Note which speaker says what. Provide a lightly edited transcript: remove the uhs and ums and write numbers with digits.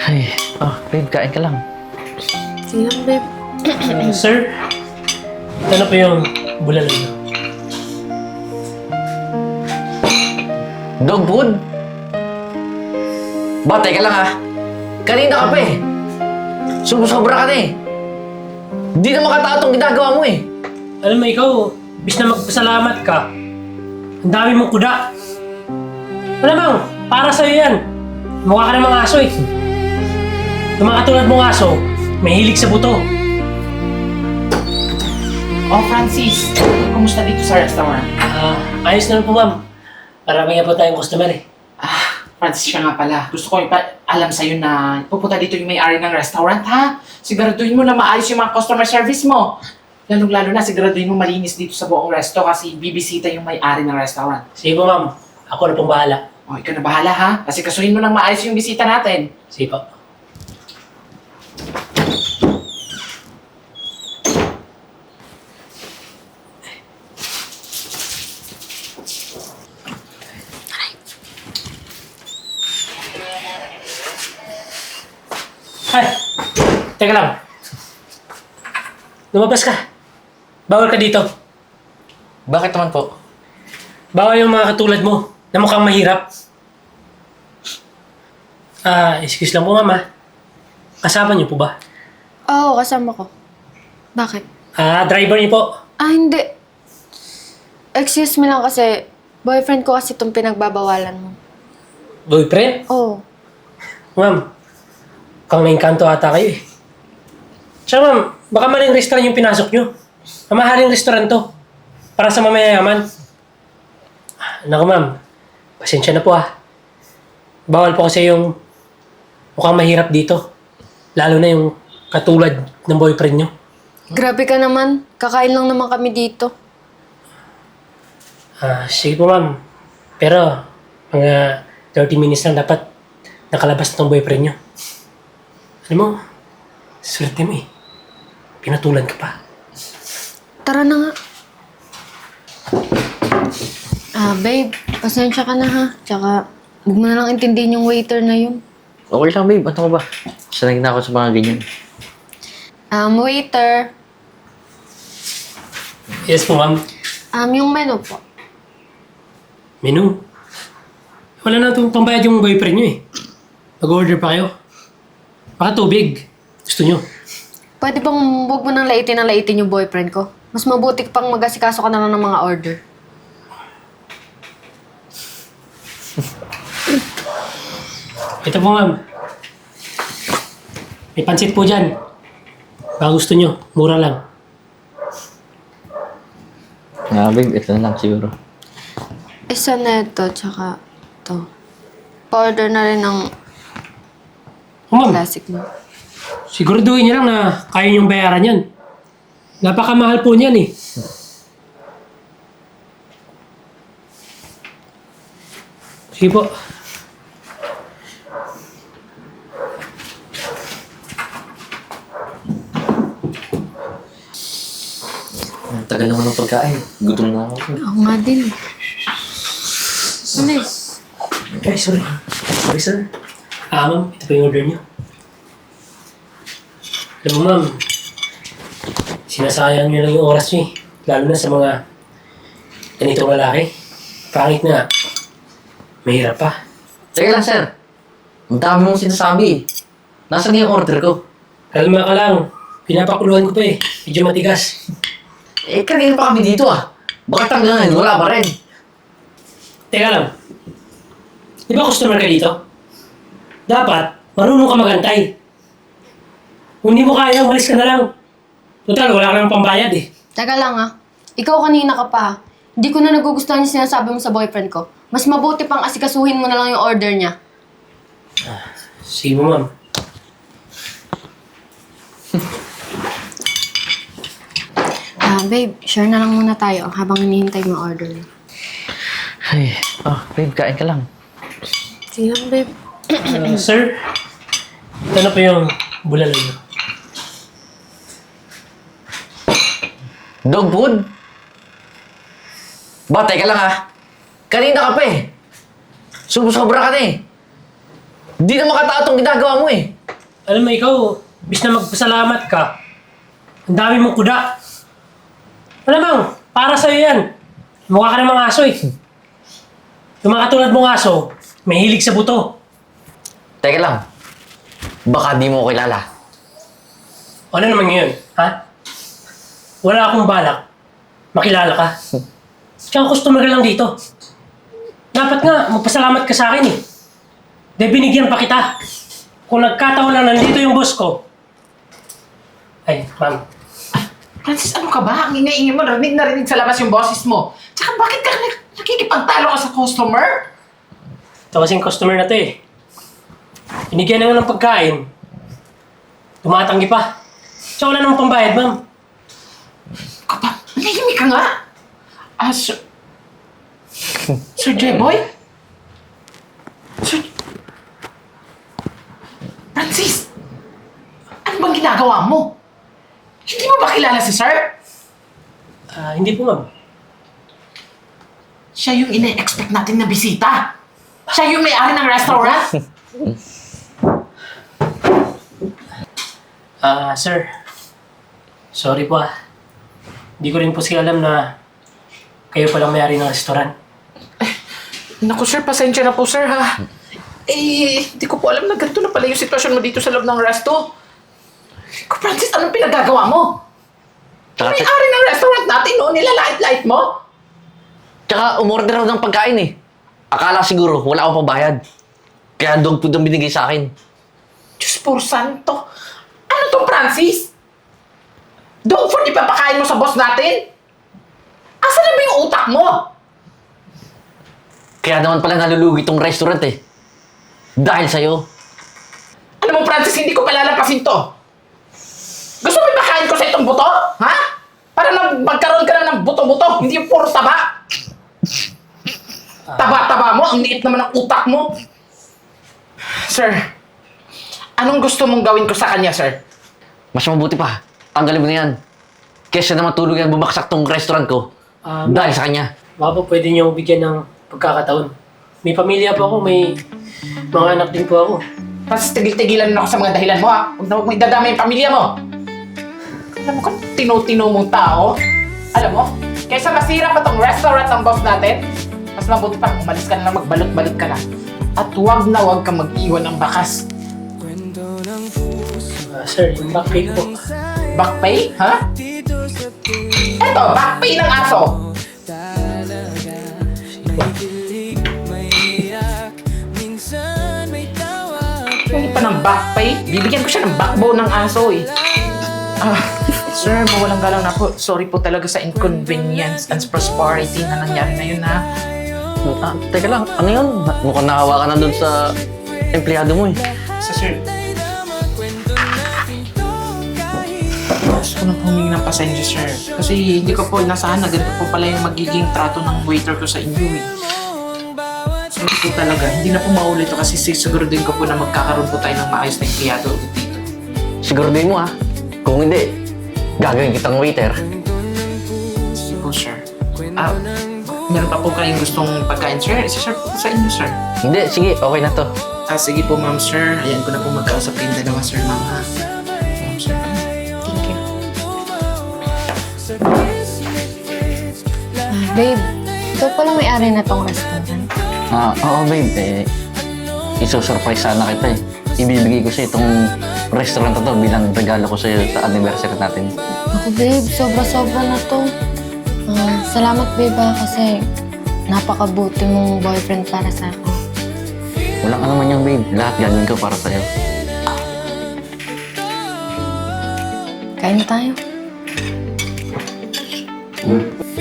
Speaker 1: Ay, babe, kain ka lang.
Speaker 2: Sige lang, babe.
Speaker 3: Sir, ito na po yung bulalo niyo.
Speaker 1: Dog food? Ba, teka lang ha. Kanina ka pa eh. Sumusobra ka na eh. Hindi na makatao itong ginagawa mo eh.
Speaker 3: Alam mo ikaw, bis na magpasalamat ka, ang dami mong kuda. Malamang, para sa'yo yan. Mukha ka ng mga aso eh. Yung mga katulad mong aso, may hilig sa buto.
Speaker 4: Oh, Francis, kumusta dito sa restaurant?
Speaker 3: Ayos na lang po ma'am. Marami nga po tayong customer eh.
Speaker 4: Francis, siya nga pala. Gusto ko alam sa'yo na pupunta dito yung may-ari ng restaurant, ha? Siguraduhin mo na maayos yung mga customer service mo. Lalong-lalo na, siguraduhin mo malinis dito sa buong resto kasi bibisita yung may-ari ng restaurant.
Speaker 3: Sige po ma'am, ako na pong bahala.
Speaker 4: Oh, ikaw na bahala, ha? Kasi kasuhin mo ng maayos yung bisita natin.
Speaker 3: Sige po. Ay! Teka lang. Lumabas ka. Bawal ka dito.
Speaker 1: Bakit naman po?
Speaker 3: Bawal yung mga katulad mo na mukhang mahirap. Excuse lang po mama. Kasama niyo po ba?
Speaker 2: Oo, kasama ko. Bakit?
Speaker 3: Driver niyo po.
Speaker 2: Hindi. Excuse me lang kasi, boyfriend ko kasi itong pinagbabawalan mo.
Speaker 3: Boyfriend?
Speaker 2: Oo.
Speaker 3: Ma'am, mukhang naingkanto ata kayo eh. Tsaka ma'am, baka maling restaurant yung pinasok niyo. Mamahaling restaurant to. Para sa mamayayaman. Naku ma'am, pasensya na po ah. Bawal po kasi yung mukhang mahirap dito. Lalo na yung katulad ng boyfriend niyo.
Speaker 2: Grabe ka naman. Kakain lang naman kami dito.
Speaker 3: Sige po ma'am. Pero, mga 30 minutes lang dapat nakalabas na tong boyfriend niyo. Alam mo, swerte mo eh. Pinatulan ka pa.
Speaker 2: Tara na nga. Babe, pasensya ka na ha. Tsaka, huwag mo na lang intindihin yung waiter na yun.
Speaker 1: Okay lang, babe. Ano ka ba? Sanay na ako sa mga ganyan.
Speaker 2: Waiter.
Speaker 3: Yes po ma'am.
Speaker 2: Yung menu po.
Speaker 3: Menu. Wala na itong pambayad yung boyfriend niyo eh. Mag-order pa kayo. Baka tubig. Gusto niyo.
Speaker 2: Pwede bang huwag mo nang laitin yung boyfriend ko? Mas mabuti pang mag-asikaso ka na lang ng mga order.
Speaker 3: Ito po ma'am. May pansit po dyan. Baka gusto niyo. Mura lang.
Speaker 1: Babe, ito na lang siguro.
Speaker 2: Isa na ito, tsaka ito. Pa-order na rin ng
Speaker 3: Ma'am,
Speaker 2: classic mo.
Speaker 3: siguraduhin niyo lang na kaya niyong bayaran yan. Napakamahal po niyan eh. Sige po.
Speaker 1: Ang tagal naman ng pagkain. Gutom na ako.
Speaker 2: Ako nga din. Ano eh?
Speaker 3: Ay, sorry. Sorry, sir. Ma'am, ito po yung order niyo. Alam mo, ma'am, sinasayang niyo lang yung oras niyo eh. Lalo na sa mga ganitong lalaki. Pangit na. Mahirap pa.
Speaker 1: Teka lang, sir. Ang dami mong sinasabi. Nasaan yung order ko?
Speaker 3: Kalma ka lang. Pinapakuluan ko pa eh. Medyo matigas.
Speaker 1: Kanina pa kami dito ah. Bakit hanggang ngayon wala pa rin?
Speaker 3: Teka lang. Di ba customer ka dito? Dapat, marunong ka magantay. Kung hindi mo kaya, umalis ka na lang. Total, wala ka nang pambayad eh.
Speaker 2: Teka lang ah. Ikaw kanina ka pa. Hindi ko na nagugustuhan yung sinasabi mo sa boyfriend ko. Mas mabuti pang asikasuhin mo na lang yung order niya.
Speaker 3: Sige mo, ma'am.
Speaker 2: Babe, share na lang muna tayo habang hinihintay mo order niya.
Speaker 1: Ay, babe, kain ka lang.
Speaker 2: Sige lang, babe.
Speaker 3: Sir, ito na po yung bulalo niyo.
Speaker 1: Dog food? Ba, teka lang ha. Kanina ka pa eh. Sumusobra ka na eh. Di na makatao itong ginagawa mo eh.
Speaker 3: Alam mo ikaw, bis na magpasalamat ka, ang dami mong kuda. Malamang, para sa'yo yan. Mukha ka namang aso eh. Yung mga katulad mong aso, may hilig sa buto.
Speaker 1: Teka lang. Baka di mo ko kilala.
Speaker 3: Ano naman ngayon, ha? Wala akong balak. Makilala ka. Tsaka customer ka lang dito. Dapat nga, magpasalamat ka sa akin eh. Dahil binigyan pa kita. Kung nagkataon lang nandito yung boss ko. Ay, ma'am.
Speaker 4: Francis, ano ka ba? Ang ingay-ingay mo, narinig na rinig sa labas yung boses mo. Tsaka bakit ka nakikipagtalo ka sa customer?
Speaker 3: Ito kasing customer na to eh. Binigyan na nga ng pagkain. Tumatanggi pa. Tsaka wala namang pambayad, ma'am.
Speaker 4: Kapag, nahihimik ka nga. Sir... Sir Jeboy? Sir... Francis! Ano bang ginagawa mo? Hindi mo ba kilala si Sir?
Speaker 3: Hindi po, ma'am.
Speaker 4: Siya yung ina-expect natin na bisita. Siya yung may-ari ng restaurant.
Speaker 3: Sir. Sorry po ah. Hindi ko rin po siya alam na kayo palang may-ari ng restaurant.
Speaker 4: Naku sir, pasensya na po sir ha. Hindi ko po alam na ganito na pala yung sitwasyon mo dito sa loob ng resto. Ko Francis, anong pinagagawa mo?
Speaker 1: Tsaka,
Speaker 4: May-ari ng restaurant natin, no? Nilalait-lait mo?
Speaker 1: tsaka umorder ako ng pagkain eh. Akala siguro wala akong pabayad. Kaya dog food ang binigay sa akin.
Speaker 4: Diyos por santo. Ano to, Francis? Dog food ipapakain mo sa boss natin? Asa na ba yung utak mo?
Speaker 1: Kaya naman pala nalulugi tong restaurant eh. Dahil sa'yo.
Speaker 4: Alam mo, Francis, hindi ko palalapasin to. Gusto mo ipakain ko sa itong buto? Ha? Para na magkaroon ka na ng buto-buto, hindi yung puro taba. Taba-taba mo, ang liit naman ng utak mo. Sir, anong gusto mong gawin ko sa kanya, sir?
Speaker 1: Mas mabuti pa. Tanggalin mo na yan. Kesa naman tulog yan bumaksak tong restaurant ko. Dahil sa kanya.
Speaker 3: Baka po pwede niyo bigyan ng pagkakataon. May pamilya po ako, may mga anak din po ako.
Speaker 4: Francis, tigil-tigilan na ako sa mga dahilan mo, ha? Huwag na huwag mo idadama yung pamilya mo. Alam mo kung tino-tino mong tao? Alam mo, kaysa masira pa tong restaurant ng boss natin, mas mabuti pa, umalis ka na lang, magbalot-balot ka na. At huwag na huwag kang mag-iwan ng bakas.
Speaker 3: Sir, yung back pay po.
Speaker 4: Back pay, ha? Eto, back pay ng aso. Hindi pa ng back pay. Bibigyan ko siya ng backbone ng aso eh. Sir, mawalang galang na po. Sorry po talaga sa inconvenience and prosperity na nangyari na yun ha.
Speaker 1: Teka lang, ano yun? Mukhang nahawa ka na dun sa empleyado mo eh.
Speaker 3: Sir.
Speaker 4: Gusto ko na humingi ng pasensya, sir. Kasi hindi ko po inasahan na ganito po pala yung magiging trato ng waiter ko sa inyo eh. Sorry po talaga. Hindi na po maulit ito kasi siguro din ko po na magkakaroon po tayo ng maayos na empleyado ulit dito.
Speaker 1: Siguro din mo ah. Kung hindi, gagawin kitang waiter.
Speaker 4: Sige po, sir. Meron pa po kayong gustong pagkain, sir? Isa-serve po sa inyo, sir.
Speaker 1: Hindi, sige, okay na to.
Speaker 4: Sige po, ma'am, sir. Ayan ko na po magkausap kayong dalawa, sir, ma'am, ha? Ma'am, sir.
Speaker 2: Thank you. Babe, ikaw pala may-ari na tong restaurant.
Speaker 1: Oo babe, isusurprise sana kita eh. Ibibigay ko sa'yo itong restaurant na to bilang regalo ko sa'yo sa anniversary natin.
Speaker 2: Ako babe, sobra-sobra na to. Salamat babe kasi napakabuti mong boyfriend para sa akin.
Speaker 1: Wala ka naman yung babe, lahat gagawin ko para sa'yo.
Speaker 2: Kain na tayo.
Speaker 1: Hmm.